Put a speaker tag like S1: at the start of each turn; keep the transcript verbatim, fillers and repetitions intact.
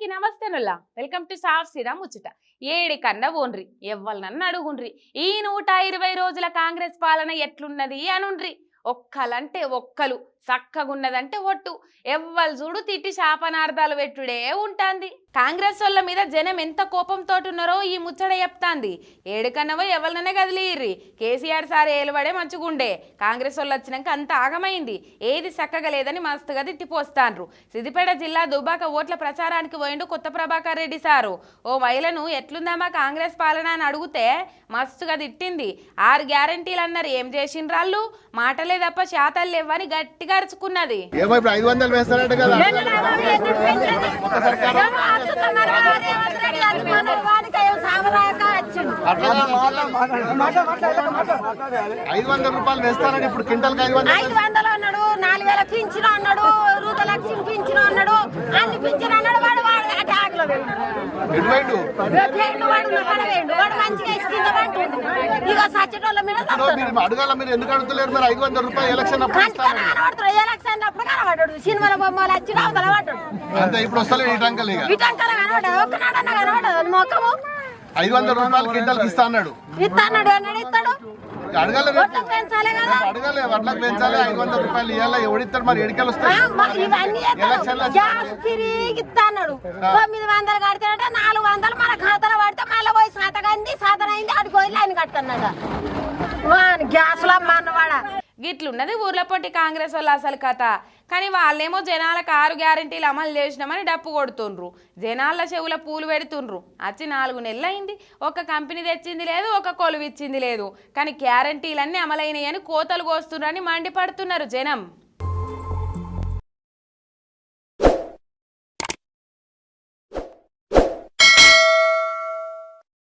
S1: అందరికీ నమస్తేనుల్లా welcome to సాఫ్ సిరా ముచ్చట ఏడి కన్నా ఓన్రి ఎవ్వలనన్ను అడుగుండ్రి ఈ నూట ఇరవై రోజుల కాంగ్రెస్ పాలన ఎట్లున్నది అనుండ్రి ఒక్కలంటే ఒక్కలు చక్కగున్నదంటే ఒట్టు ఎవ్వరు చూడు తిట్టి శాపనార్థాలు పెట్టుడే ఉంటాంది కాంగ్రెస్ వాళ్ళ మీద జనం ఎంత కోపంతో ఉన్నారో ఈ ముచ్చట చెప్తాంది ఏడుకన్నవో ఎవరిననే కదిలిర్రి కేసీఆర్ సార్ ఏలుబడే మంచుగుండే కాంగ్రెస్ వాళ్ళు వచ్చినాక అంత ఆగమైంది ఏది చక్కగా లేదని మస్తుగా తిట్టిపోస్తాండ్రు సిద్దిపేట జిల్లా దుబాక ఓట్ల ప్రచారానికి పోయిండు కొత్త ప్రభాకర్ రెడ్డి సారు ఓ మహిళను ఎట్లుందామా కాంగ్రెస్ పాలన అని అడిగితే మస్తుగా తిట్టింది ఆరు గ్యారంటీలు అన్నారు ఏం చేసిండ్రాళ్ళు మాటలే తప్ప శాతాలు లేవని గట్టిగా అరుచుకున్నది
S2: ఐదు వందల రూపాయలు వేస్తారని ఇప్పుడు క్వింటల్ ఐదు వందలు అన్నాడు నాలుగు వేల పింఛను అన్నాడు రూతలక్ష్మి పింఛను అన్నాడు అన్ని పింఛను అన్నాడు వాడు వాడు అటాక్లో అడగాల మీరు ఎందుకు అడుగుతలేరు మరి ఐదు వందల రూపాయలు ఎలక్షన్ ఎలక్షన్ అప్పుడు కనబడ్డాడు సినిమాల బొమ్మలు వచ్చి అవతల పడ్డాడు అంతే ఇప్పుడు వస్తలే ఈ టంకలు ఇక ఈ టంకలు కనబడ్డాడు ఒక్కనాడన్నా కనబడ్డాడు మొక్కము ఐదు వందల రూపాయలు క్వింటల్ ఇస్తా అన్నాడు ఇస్తా అన్నాడు అన్నాడు ఇస్తాడు అడగాలి అడగాలి వడ్లకు పెంచాలి ఐదు వందల రూపాయలు ఇవ్వాలి ఎవడిస్తాడు మరి ఎడికలు వస్తాయి అన్నాడు తొమ్మిది వందలు కడితే నాలుగు వందలు మన ఖాతాలో పడితే మళ్ళీ పోయి సాతగంది సాతన అయింది అడిగి పోయి లైన్ కట్టన్నాడు గ్యాస్ లో అన్నవాడ
S1: గిట్లున్నది ఊర్ల పొట్టి కాంగ్రెస్ వాళ్ళు అసలు కథ కానీ వాళ్ళేమో జనాలకు ఆరు గ్యారంటీలు అమలు చేసినామని డప్పు కొడుతుండ్రు జనాల చెవుల పూలు పెడుతుండ్రు వచ్చి నాలుగు నెలలు అయింది ఒక కంపెనీ తెచ్చింది లేదు ఒక కొలువు ఇచ్చింది లేదు కానీ గ్యారంటీలన్నీ అమలైనాయని కోతలు కోస్తుండ్రని మండిపడుతున్నారు జనం.